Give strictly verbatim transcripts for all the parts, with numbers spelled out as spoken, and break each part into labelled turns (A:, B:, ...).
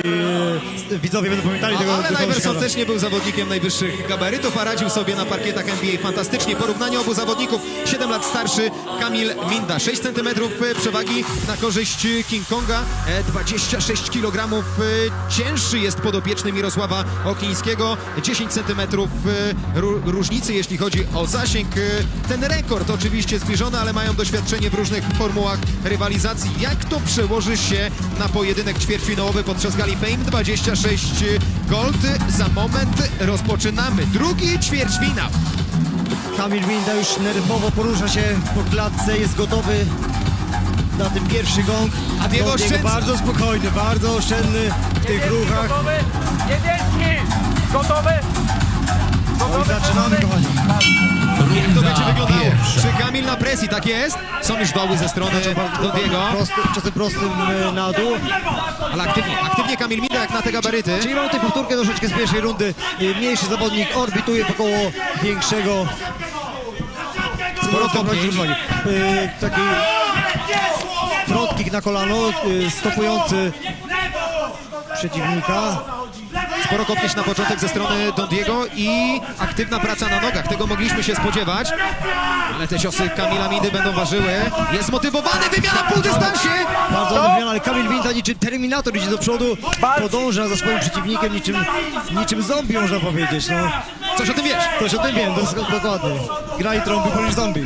A: e, widzowie będą pamiętali tego.
B: Ale Iverson też nie był zawodnikiem najwyższych gabarytów, a radził sobie na parkietach N B A fantastycznie. Porównanie obu zawodników, siedem lat starszy Kamil Minda, sześć centymetrów przewagi na korzyść King Konga, dwadzieścia sześć kilogramów cięższy jest podopieczny Mirosława Okińskiego, dziesięć centymetrów różnicy, jeśli chodzi o zasięg. Ten rekord oczywiście zbliżony, ale mają doświadczenie w różnych formułach rywalizacji. Jak to przełoży się na pojedynek ćwierćfinałowy podczas Gali Fame dwadzieścia sześć Gold? Za moment rozpoczynamy drugi ćwierćfinał.
A: Kamil Minda już nerwowo porusza się po klatce, jest gotowy na ten pierwszy gong.
B: A Diego oszczędza.
A: Bardzo spokojny, bardzo oszczędny w tych ruchach.
C: Gotowy? Niebieski! Gotowy?
A: No i zaczynamy, kochani.
B: Jak to będzie wyglądało? Czy Kamil na presji? Tak jest? Są już doły ze strony Dondiego.
A: Prosty, czasem prostym e, na dół.
B: Ale aktywnie, aktywnie Kamil Minda jak na te gabaryty.
A: Czyli mamy tutaj powtórkę troszeczkę z pierwszej rundy. E, Mniejszy zawodnik orbituje wokoło większego.
B: Sporo kopnięć.
A: E, Taki front kick na kolano, e, stopujący przeciwnika.
B: Sporo kopnięć na początek ze strony Dondiego i aktywna praca na nogach. Tego mogliśmy się spodziewać. Ale te ciosy Kamila Mindy będą ważyły. Jest zmotywowany, wymiana w półdystansie.
A: Bardzo ładna wymiana, ale Kamil Minda niczym Terminator idzie do przodu. Podąża za swoim przeciwnikiem niczym, niczym zombie, można powiedzieć. No,
B: Coś o tym wiesz?
A: coś o tym wiem, dos- dokładnie. Gra i trąbi polisz zombie.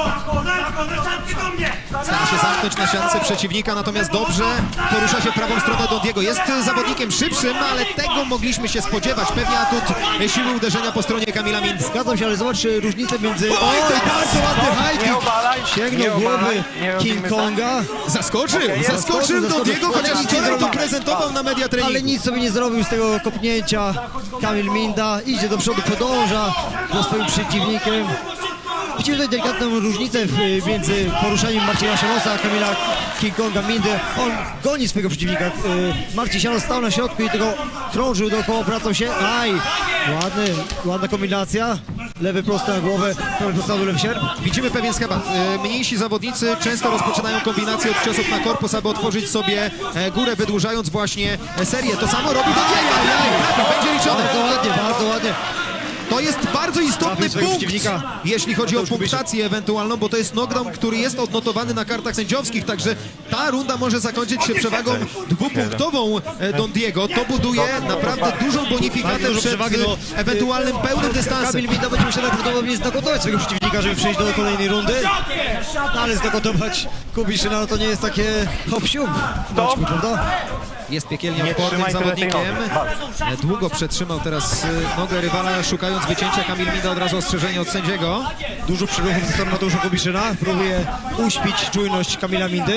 B: Stara się zamknąć na siatce przeciwnika, natomiast dobrze porusza się w prawą stronę Dondiego. Jest zawodnikiem szybszym, ale tego mogliśmy się spodziewać. Pewnie atut siły uderzenia po stronie Kamila Mindy.
A: Zgadzam się, ale zobacz e, różnicę między... Oj, bardzo ładny high
C: Nie
A: kick.
C: obalaj,
A: Sięgnął
C: nie
A: głowy
C: obalaj, nie
A: King
C: robimy
A: Konga,
B: Zaskoczył, zaskoczył
A: zaskoczył,
B: Dondiego, chociaż
A: ale nic nie
B: wczoraj to
A: zrobił.
B: prezentował na media
A: ale
B: treningu.
A: nic sobie nie zrobił z tego kopnięcia. Kamil Minda idzie do przodu, podąża za swoim przeciwnikiem. Widzimy tutaj delikatną różnicę w, między poruszaniem Marcina Sianosa a Kamila King Konga Mindy. On goni swojego przeciwnika. Y, Marcin Sianos stał na środku i tego krążył dookoła, obracał się. Aj! Ładny, ładna kombinacja. Lewy prosty na głowę, prawy prosty na lewy sierp.
B: Widzimy pewien schemat. E, Mniejsi zawodnicy często rozpoczynają kombinację od ciosów na korpus, aby otworzyć sobie e, górę, wydłużając właśnie e, serię. To samo robi Dondiego. Będzie liczone.
A: Bardzo ładnie, bardzo ładnie.
B: To jest bardzo istotny
A: Trafił swojego
B: punkt,
A: przeciwnika.
B: jeśli chodzi o punktację ewentualną, bo to jest knockdown, który jest odnotowany na kartach sędziowskich, także ta runda może zakończyć się przewagą dwupunktową e, Dondiego. To buduje naprawdę dużą bonifikatę
A: Bardzo
B: przed
A: przewagi, no.
B: e, ewentualnym pełnym dystansem.
A: Kamil Minda będzie musiał prawdopodobnie znokotować swojego przeciwnika, żeby przejść do kolejnej rundy. No, ale znokotować Kubiszyna no to nie jest takie hop-siup w boczku, prawda?
B: Jest piekielnie
C: Nie
B: odpornym
C: trzymaj tyle tej
B: zawodnikiem.
C: nogi.
B: E, Długo przetrzymał teraz e, nogę rywala, szukając wycięcia. Kamil Minda od razu ostrzeżenie od sędziego.
A: Dużo przyruchów ze strony Mateusza Kubiszyna. Próbuje uśpić czujność Kamila Mindy.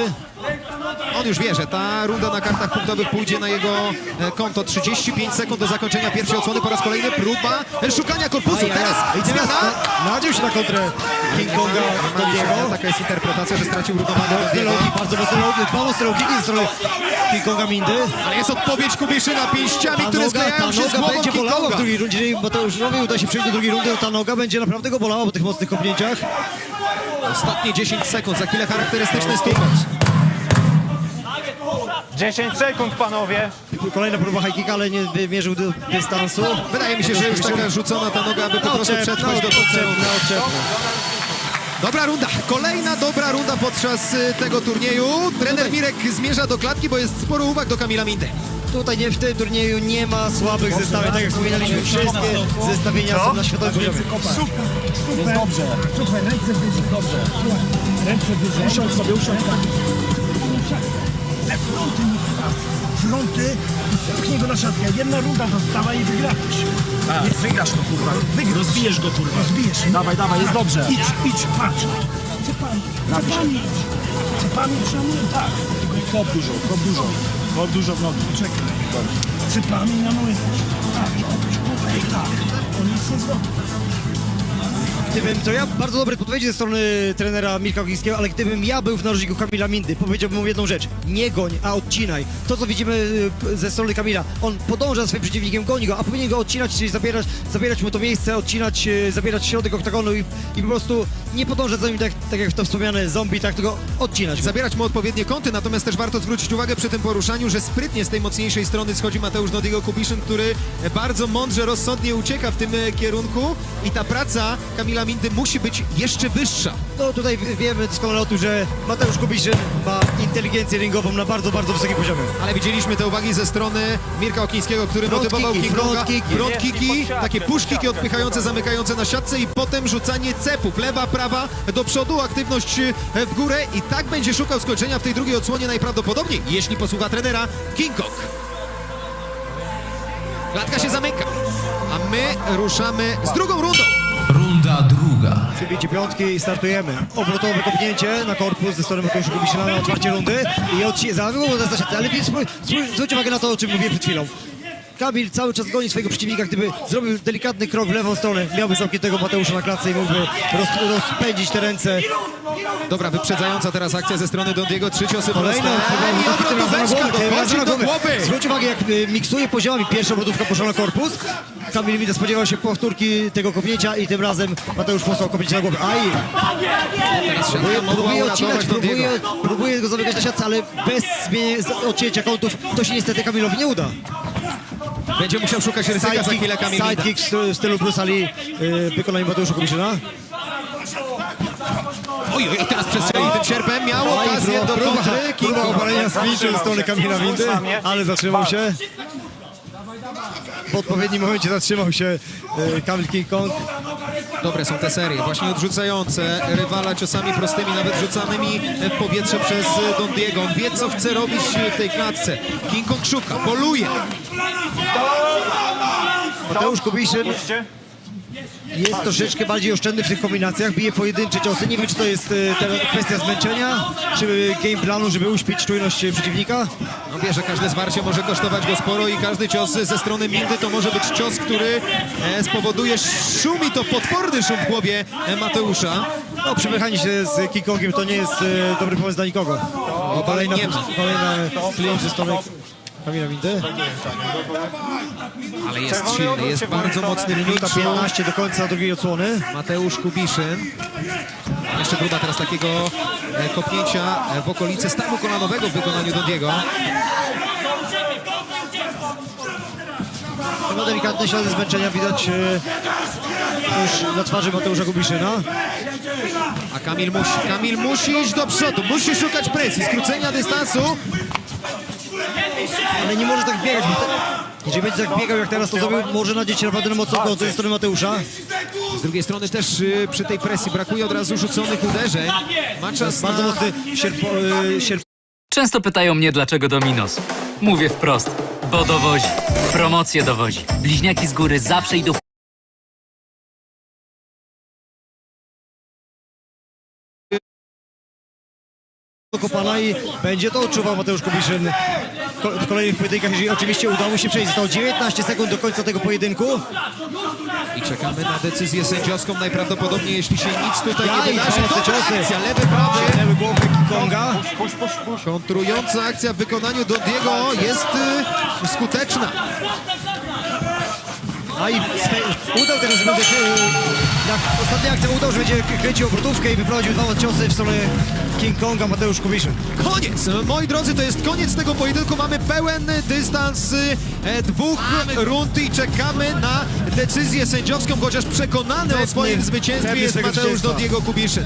B: On już wie, że ta runda na kartach punktowych pójdzie na jego e, konto. trzydzieści pięć sekund do zakończenia pierwszej odsłony. Po raz kolejny próba e, szukania korpusu.
A: Aj, aj,
B: Teraz
A: aj. I teraz
B: zmiana.
A: na- nadział się na kontrę King Konga Dondiego.
B: Taka jest interpretacja, że stracił równowagę
A: Mocne
B: Dondiego.
A: logi, bardzo mocne logi, dwa mocne logi ze strony King Konga Mindy.
B: Ale jest odpowiedź Kubiszyna pięściami,
A: Ta
B: które
A: noga, ta
B: sklejają się z
A: noga
B: głową
A: będzie
B: King
A: bolała w
B: Konga.
A: drugiej rundzie. Jeżeli Mateuszowi uda się przejść do drugiej rundy, to ta noga będzie naprawdę go bolała po tych mocnych kopnięciach.
B: Ostatnie dziesięć sekund, za chwilę charakterystyczny stupec.
C: dziesięć sekund, panowie.
A: Kolejna próba high kicka, ale nie wymierzył do dystansu.
B: Wydaje mi się, że już taka rzucona ta noga, aby po prostu przetrwać do końca rundy. Dobra runda, kolejna dobra runda podczas y, tego turnieju. Trener Mirek zmierza do klatki, bo jest sporo uwag do Kamila Mindy.
A: Tutaj nie, w tym turnieju nie ma słabych zestawień, tak jak wspominaliśmy, wszystkie zestawienia są na światowym poziomie.
D: Jest dobrze. Super, ręce wyżej. Dobrze. Ręce wyżej. Usiądź sobie, usiądź. Le fronty nie fronty i pchnij go na siatkę. Jedna runda została i wygrałeś. Nie wygrasz to, kurwa. Wygrasz. Rozbijesz go, kurwa. Rozbijesz. Dawaj, dawaj, jest dobrze. Idź, idź, patrz. Cepami. Cepami. Cepami przełamuję, tak. Kop dużo, kop dużo. Kop dużo w nogi. Czekaj. Cepami na nogi. Tak, obróć głowę i tak. On nic nie zrobi.
A: Gdybym, to ja bardzo dobre podpowiedzi ze strony trenera Mirka Ogińskiego, ale gdybym ja był w narożniku Kamila Mindy, powiedziałbym mu jedną rzecz. Nie goń, a odcinaj. To, co widzimy y, ze strony Kamila, on podąża za swoim przeciwnikiem, goni go, a powinien go odcinać, czyli zabierać, zabierać mu to miejsce, odcinać, y, zabierać środek oktagonu i, i po prostu nie podążać za nim tak, tak jak to wspomniane zombie, tak tylko odcinać go.
B: Zabierać mu odpowiednie kąty, natomiast też warto zwrócić uwagę przy tym poruszaniu, że sprytnie z tej mocniejszej strony schodzi Mateusz Nodiego Kubiszyn, który bardzo mądrze, rozsądnie ucieka w tym e, kierunku i ta praca Kamila Mindy musi być jeszcze wyższa.
A: No tutaj wiemy doskonale o tym, że Mateusz Kubiszyn ma inteligencję ringową na bardzo, bardzo wysokim poziomie.
B: Ale widzieliśmy te uwagi ze strony Mirka Okińskiego, który
A: Front
B: motywował
A: kicki,
B: King Konga.
A: front kicki.
B: Front kicki,
C: Pod siatkę,
B: takie
C: pod
B: push kicki
C: siatkę.
B: odpychające, zamykające na siatce i potem rzucanie cepów. Lewa, prawa, do przodu, aktywność e, w górę i tak będzie szukał skończenia w tej drugiej odsłonie najprawdopodobniej, jeśli posłucha trenera King Kong. Klatka się zamyka, a my ruszamy z drugą rundą.
E: Runda druga.
A: Przybicie piątki i startujemy. Obrotowe kopnięcie na korpus ze strony Mateusza Kubiszyna na otwarcie rundy i odci... za ale zwróćcie uwagę na to, o czym mówiłem przed chwilą. Kamil cały czas goni swojego przeciwnika, gdyby zrobił delikatny krok w lewą stronę, miałby zamkniętego Mateusza na klatce i mógłby roz, rozpędzić te ręce.
B: Dobra, wyprzedzająca teraz akcja ze strony Dondiego, trzy ciosy
A: Kolejna
B: proste. I obrotóweczka dochodzi do głowy.
A: Zwróć uwagę, jak y, miksuje poziomami. Pierwsza obrotówka poszła na korpus. Kamil Minda spodziewał się powtórki tego kopnięcia i tym razem Mateusz posłał kopnięcie na głowę. Aj! Próbuje,
B: Mogła
A: próbuje
B: uratować
A: odcinać,
B: Dondiego.
A: próbuje, próbuje go zamykać na siatce, ale bez zmienienia z- odcięcia kątów to się niestety Kamilowi nie uda.
B: Będzie musiał szukać ryzyka za chwilę Kamil Minda.
A: sidekick w stylu Bruce Lee y, wykonanie Mateusza Kubiszyna.
B: Oj, oj, teraz przestrzelił tym sierpem, miał
A: Aj,
B: okazję do
A: próba,
B: kontry. King
A: próba
B: Kong.
A: obalenia z klinczu ze strony Kamila Mindy, ale zatrzymał się. W odpowiednim momencie zatrzymał się y, Kamil King Kong.
B: Dobre są te serie, właśnie odrzucające rywala ciosami prostymi, nawet rzucanymi w powietrze przez Dondiego. On wie, co chce robić w tej klatce. King Kong szuka, poluje.
A: Mateusz Kubiszyn
C: Puśćcie.
A: jest troszeczkę bardziej oszczędny w tych kombinacjach, bije pojedyncze ciosy. Nie wiem, czy to jest y, te- kwestia zmęczenia, czy game planu, żeby uśpić czujność y, przeciwnika.
B: No wie, że każde zwarcie może kosztować go sporo i każdy cios ze strony Mindy to może być cios, który e, spowoduje szum i to potworny szum w głowie e, Mateusza.
A: No, przypychanie się z King Kongiem to nie jest y, dobry pomysł dla nikogo. O, kolejna,
B: nie.
A: kolejna klient ze strony Kamila Mindy.
B: Ale jest silny, jest bardzo mocny w
A: Minuta
B: klinczu.
A: piętnaście do końca drugiej odsłony.
B: Mateusz Kubiszyn. Jeszcze próba teraz takiego e, kopnięcia e, w okolicy stawu kolanowego w wykonaniu Dondiego.
A: No, delikatne ślady zmęczenia widać y, już na twarzy Mateusza Kubiszyna.
B: A Kamil musi, Kamil musi iść do przodu, musi szukać presji, skrócenia dystansu.
A: Ale nie może tak biegać. Bo te, jeżeli będzie tak biegał jak teraz, to zrobił, może nadzieć się naprawdę na mocno kąt ze strony Mateusza.
B: Z drugiej strony też y, przy tej presji brakuje od razu rzuconych uderzeń. Ma czas
A: Bardzo
B: na...
A: mocny sierpo, y, sierp,
F: Często pytają mnie, dlaczego Dominos. Mówię wprost, bo dowozi. Promocje dowozi. Bliźniaki z góry zawsze idą
A: kopana i będzie to odczuwał Mateusz Kubiszyn w, ko w kolejnych pojedynkach, jeżeli oczywiście uda mu się przejść. Zostało dziewiętnaście sekund do końca tego pojedynku.
B: I czekamy na decyzję sędziowską najprawdopodobniej, jeśli się nic tutaj
A: Ja
B: nie
A: i
B: wydarzy.
A: mocne
B: Dobra
A: ciosy.
B: akcja, lewy, prawy.
A: Lewy głowy King Konga.
C: Puść, puść, puść.
B: Kontrująca akcja w wykonaniu Dondiego jest y, skuteczna.
A: A i swe- udał teraz, że będzie, y, jak ostatnia akcja udał, że będzie kręcił obrotówkę i wyprowadził dwa ciosy w stronę King Konga Mateusz Kubiszyn.
B: Koniec! Moi drodzy, to jest koniec tego pojedynku. Mamy pełen dystans y, e, dwóch rund i czekamy na decyzję sędziowską, chociaż przekonany o
A: Pewny-
B: swoim zwycięstwie
A: pewny
B: jest
A: swojego
B: Mateusz
A: zwycięstwa.
B: Dondiego Kubiszyn.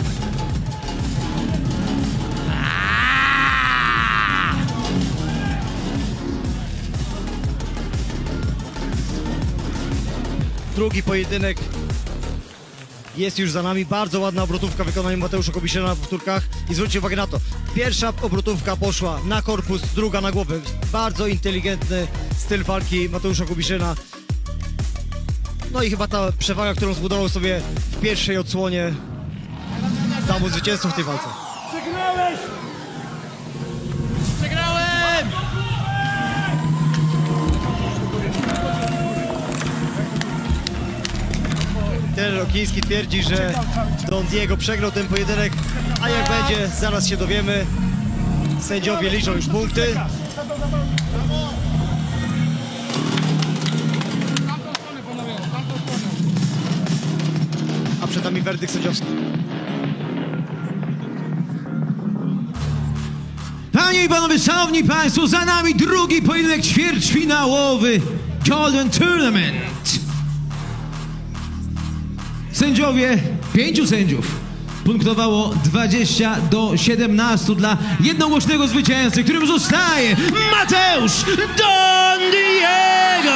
A: Drugi pojedynek jest już za nami. Bardzo ładna obrotówka w wykonaniu Mateusza Kubiszyna na powtórkach. I zwróćcie uwagę na to. Pierwsza obrotówka poszła na korpus, druga na głowę. Bardzo inteligentny styl walki Mateusza Kubiszyna. No i chyba ta przewaga, którą zbudował sobie w pierwszej odsłonie, da mu zwycięstwo w tej walce. Ten Okiński twierdzi, że Don Diego przegrał ten pojedynek, a jak będzie, zaraz się dowiemy. Sędziowie liczą już punkty. A przed nami werdykt sędziowski.
G: Panie i panowie, szanowni państwo, za nami drugi pojedynek ćwierćfinałowy Golden Tournament. Sędziowie, pięciu sędziów punktowało dwadzieścia do siedemnastu dla jednogłośnego zwycięzcy, którym zostaje Mateusz Don Diego!